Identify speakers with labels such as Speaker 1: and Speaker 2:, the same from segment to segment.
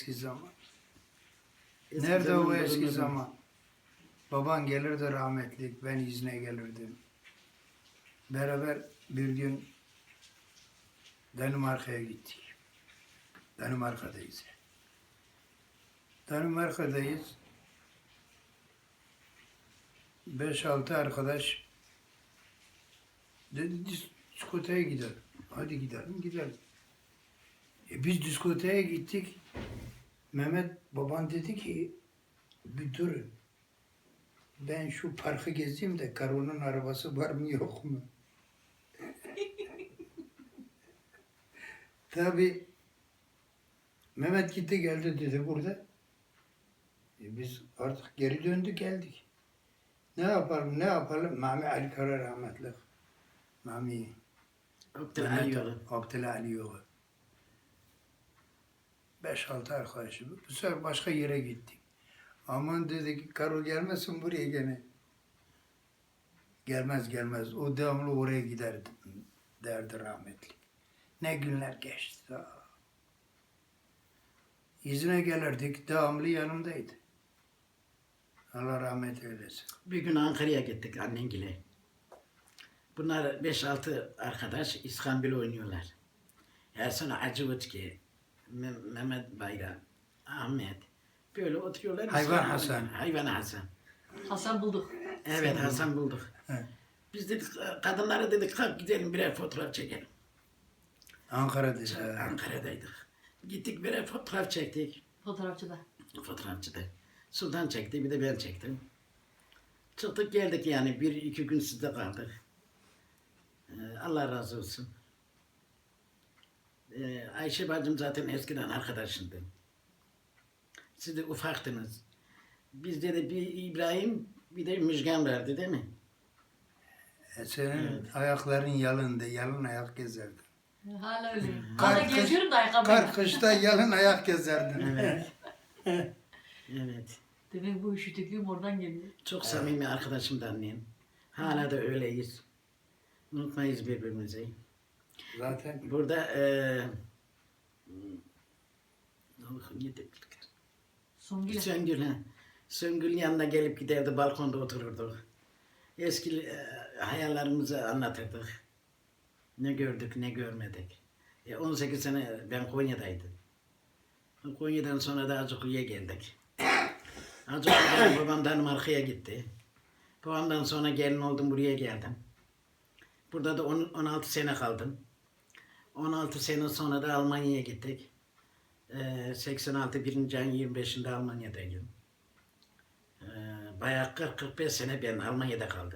Speaker 1: Eski zaman.
Speaker 2: Eski
Speaker 1: Nerede o
Speaker 2: zamanların
Speaker 1: eski
Speaker 2: adamı.
Speaker 1: zaman? Baban gelirdi rahmetli, ben izne gelirdim. Beraber bir gün Danimarka'ya gittik. Danimarka'dayız. Danimarka'dayız. 5-6 arkadaş dedi diskoteye gidelim. Hadi gidelim. Biz diskoteye gittik. Mehmet baban dedi ki bir durun. Ben şu parkı gezeyim de Karo'nun arabası var mı yok mu? Tabii Mehmet gitti geldi dedi burada. Biz artık geri döndük geldik. Ne yapalım? Mami Ali Kara rahmetli. Mami
Speaker 2: Abdülhali yolu.
Speaker 1: Abdülhali yolu. 5-6 arkadaşım. Bu sefer başka yere gittik. Aman dedik Karo gelmesin buraya gene. Gelmez. O devamlı oraya giderdi derdi rahmetli. Ne günler geçti. İzine gelirdik, devamlı yanımdaydı. Allah rahmet eylesin.
Speaker 2: Bir gün Ankara'ya gittik annengile. Bunlar 5-6 arkadaş İskambil oynuyorlar. Ersan Acıvıtki, Mehmet Bayram, Ahmet. Böyle oturuyorlar.
Speaker 1: Hayvan
Speaker 2: İskambil
Speaker 1: Hasan.
Speaker 2: oynuyor. Hayvan Hasan.
Speaker 3: Hasan bulduk.
Speaker 2: Evet Hasan bulduk.
Speaker 1: He.
Speaker 2: Biz dedik kadınlara dedik kalk gidelim birer fotoğraf çekelim.
Speaker 1: Ankara'dayız.
Speaker 2: Ankara'daydık. Gittik birer fotoğraf çektik.
Speaker 3: Fotoğrafçıda.
Speaker 2: Fotoğrafçıda. Sultan çekti, bir de ben çektim. Çıktık geldik yani, 1-2 gün sizde kaldık. Allah razı olsun. Ayşe bacım zaten eskiden arkadaşındı. Siz de ufaktınız. Bizde de bir İbrahim, bir de Müjgan vardı değil mi?
Speaker 1: Senin ayakların yalındı, yalın ayak gezerdin.
Speaker 3: Hala öyle.
Speaker 1: Kar-
Speaker 3: Hala geziyorum da ayakkabıyla.
Speaker 1: Kar kışta yalın ayak gezerdin.
Speaker 2: Evet. Evet.
Speaker 3: Demek bu üşütüklüğüm oradan geliyor.
Speaker 2: Çok samimi arkadaşım da annem. Hala da öyleyiz. Unutmayız birbirimizi.
Speaker 1: Zaten
Speaker 2: Burada
Speaker 3: Songül.
Speaker 2: Söngül, ha. Söngül'ün yanına gelip giderdi, balkonda otururduk. Eski hayallerimizi anlatırdık. Ne gördük, ne görmedik. 18 sene ben Konya'daydım. Konya'dan sonra da Acıklı'ya geldik. Acıklı'dan babam Danimarka'ya gitti. Babamdan sonra gelin oldum, buraya geldim. Burada da 16 sene kaldım. 16 sene sonra da Almanya'ya gittik. 86 1. ayın 25'inde Almanya'daydım. Bayağı 40-45 sene ben Almanya'da kaldım.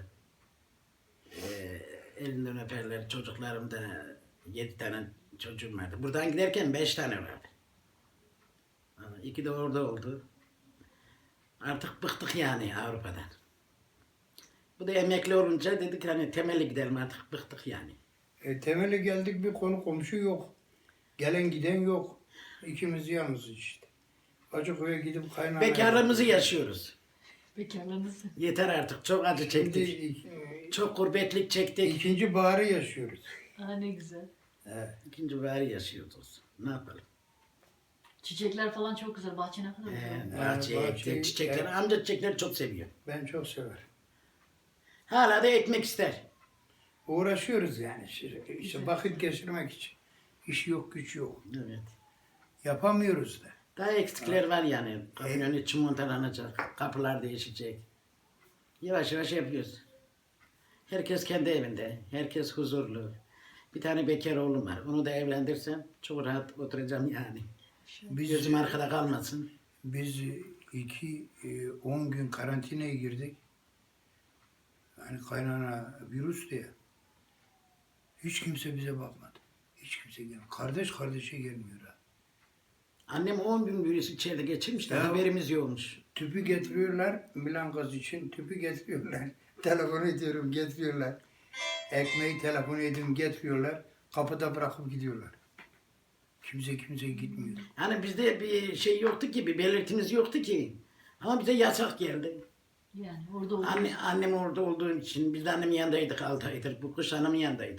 Speaker 2: Elinden öperler, çocuklarım da 7 tane çocuğum vardı. Buradan giderken 5 tane vardı. 2 de orada oldu. Artık bıktık yani Avrupa'dan. Bu da emekli olunca dedik hani temelli gidelim, artık bıktık yani.
Speaker 1: temeli geldik bir konu komşu yok. Gelen giden yok. İkimiz yalnız işte. Acıköy'e gidip kaynana...
Speaker 2: Bekarlığımızı yaşıyoruz.
Speaker 3: Bekarlığınız.
Speaker 2: Yeter artık, çok acı çektik.
Speaker 1: Şimdi
Speaker 2: Çok gurbetlik çektik.
Speaker 1: ikinci baharı yaşıyoruz.
Speaker 3: Ne güzel.
Speaker 1: Evet.
Speaker 2: İkinci bari yaşıyoruz. Ne yapalım?
Speaker 3: Çiçekler falan çok güzel. Bahçe ne kadar güzel.
Speaker 2: Bahçeye
Speaker 1: bahçeyi-
Speaker 2: ektik, çiçekleri.
Speaker 1: evet.
Speaker 2: Amca çiçekleri çok seviyor.
Speaker 1: Ben çok severim.
Speaker 2: Hala da ekmek ister.
Speaker 1: Uğraşıyoruz yani. İşte vakit geçirmek için. İş yok, güç yok.
Speaker 2: Evet.
Speaker 1: Yapamıyoruz da.
Speaker 2: Daha eksikler var yani. Kapının önü çimontalanacak, kapılar değişecek. Yavaş yavaş yapıyoruz. Herkes kendi evinde, herkes huzurlu. Bir tane bekar oğlum var. Onu da evlendirsem çok rahat oturacağım yani.
Speaker 1: Biz,
Speaker 2: Gözüm arkada kalmasın.
Speaker 1: biz 10 gün karantinaya girdik. Yani kaynana virüs diye. Hiç kimse bize bakmadı. Hiç kimse gelmiyor. Kardeş kardeşe gelmiyor ha.
Speaker 2: Annem 10 gün virüs içeride geçirmiş de
Speaker 1: Ya.
Speaker 2: haberimiz yokmuş.
Speaker 1: Tüpü getiriyorlar, Milan gaz için tüpü getiriyorlar. Telefon ediyorum, getiriyorlar. Ekmeği telefon ediyorum, getiriyorlar. Kapıda bırakıp gidiyorlar. Kimse gitmiyor.
Speaker 2: Hani bizde bir şey yoktu ki, bir belirtimiz yoktu ki. Ama bize yasak geldi.
Speaker 3: Yani orada olur.
Speaker 2: Annem orada olduğu için, biz de annemin yanındaydık 6 aydır. Bu kış annemin yanındaydı.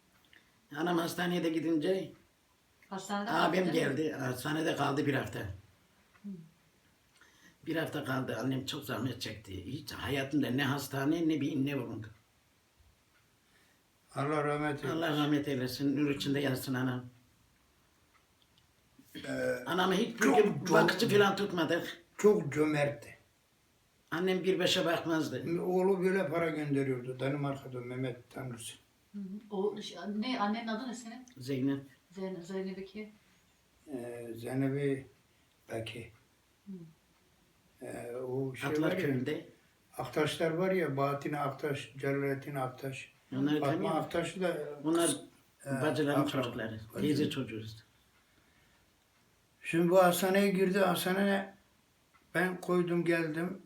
Speaker 2: Anam hastaneye de gidince
Speaker 3: Hastanede
Speaker 2: abim
Speaker 3: kaldı.
Speaker 2: geldi. Hastanede kaldı bir hafta. Bir hafta kaldı. Annem çok zahmet çekti. Hiç hayatında ne hastane ne bir inne bulundu.
Speaker 1: Allah rahmet eylesin.
Speaker 2: Allah rahmet eylesin. Nur içinde yatsın anam. Anamı hiç
Speaker 1: çok-
Speaker 2: bir
Speaker 1: çok-
Speaker 2: bakıcı falan tutmadık.
Speaker 1: Çok cömertti.
Speaker 2: Annem bir beşe bakmazdı.
Speaker 1: Oğlu böyle para gönderiyordu. Danimarka'da Mehmet Tanrısı.
Speaker 3: Hı hı. O ne annenin adı ne senin?
Speaker 2: Zeynep.
Speaker 3: Zeynep iki.
Speaker 1: Zeynep'i Beki. O şey var
Speaker 2: Atlar
Speaker 1: ya,
Speaker 2: köyünde.
Speaker 1: Aktaşlar var ya, Bahattin Aktaş, Celalettin Aktaş.
Speaker 2: Onları
Speaker 1: Fatma
Speaker 2: tanıyorum.
Speaker 1: Aktaş'ı da
Speaker 2: Onlar
Speaker 1: Ee,
Speaker 2: bacıların
Speaker 1: akraba.
Speaker 2: çocukları. Teyze çocuğuyuz.
Speaker 1: Şimdi bu hastaneye girdi. Hastaneye ben koydum geldim.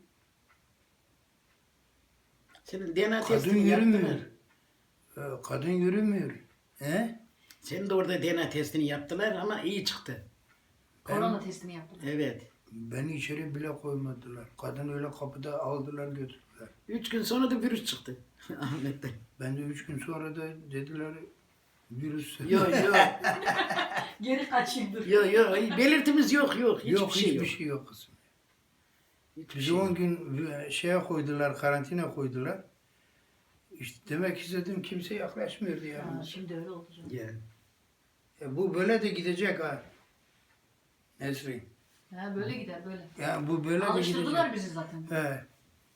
Speaker 2: Senin DNA
Speaker 1: Kadın
Speaker 2: testini
Speaker 1: yürümüyor.
Speaker 2: yaptılar.
Speaker 1: Kadın yürümüyor. He?
Speaker 2: Senin de orada DNA testini yaptılar ama iyi çıktı.
Speaker 3: Korona testini yaptım.
Speaker 2: Evet.
Speaker 1: Beni içeri bile koymadılar. Kadın öyle kapıda aldılar götürdüler.
Speaker 2: 3 gün sonra da virüs çıktı. Ahmet'te.
Speaker 1: Ben de 3 gün sonra da dediler virüs.
Speaker 2: Yok yok.
Speaker 3: Geri kaçayım dur.
Speaker 2: Yok yok. Belirtimiz yok yok. Hiçbir
Speaker 1: Yok,
Speaker 2: şey
Speaker 1: hiçbir
Speaker 2: yok.
Speaker 1: şey yok kızım.
Speaker 2: Hiçbir
Speaker 1: Bizi
Speaker 2: şey
Speaker 1: 10
Speaker 2: yok.
Speaker 1: gün şeye koydular, karantina koydular. İşte demek istedim kimse yaklaşmıyordu yani.
Speaker 3: Ha, şimdi öyle oldu canım.
Speaker 2: Yani.
Speaker 1: Bu böyle de gidecek ha. Nesrin.
Speaker 3: Ha, böyle gider böyle.
Speaker 1: Yani bu böyle de
Speaker 3: Alıştırdılar
Speaker 1: gidecek.
Speaker 3: bizi zaten.
Speaker 1: He.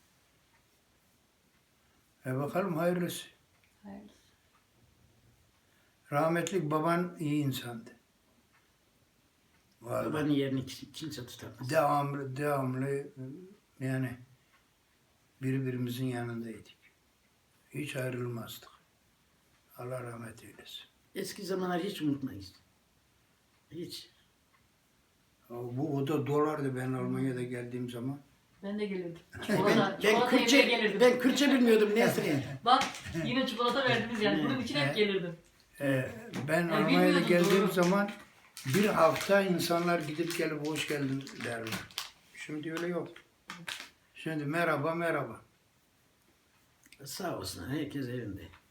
Speaker 1: Bakalım hayırlısı.
Speaker 3: Hayırlısı.
Speaker 1: Rahmetli baban iyi insandı. Vallahi.
Speaker 2: Babanın yerini kimse tutamaz.
Speaker 1: Devamlı yani birbirimizin yanındaydık. Hiç ayrılmazdık. Allah rahmet eylesin.
Speaker 2: Eski zamanlar hiç unutmayız. Hiç.
Speaker 1: O da dolardı ben Almanya'da geldiğim zaman.
Speaker 3: Ben de gelirdim.
Speaker 2: Ben,
Speaker 3: Çikolata yemeye
Speaker 2: Kürtçe,
Speaker 3: gelirdim.
Speaker 2: ben Kürtçe bilmiyordum Nesrin.
Speaker 3: Bak yine çikolata verdiniz yani. Bunun için hep gelirdim.
Speaker 1: Ben Almanya'da
Speaker 3: bilmiyordum,
Speaker 1: geldiğim
Speaker 3: doğru.
Speaker 1: zaman bir hafta insanlar gidip gelip hoş geldin derler. Şimdi öyle yok. Şimdi merhaba merhaba.
Speaker 2: Sağ olsun herkes evinde.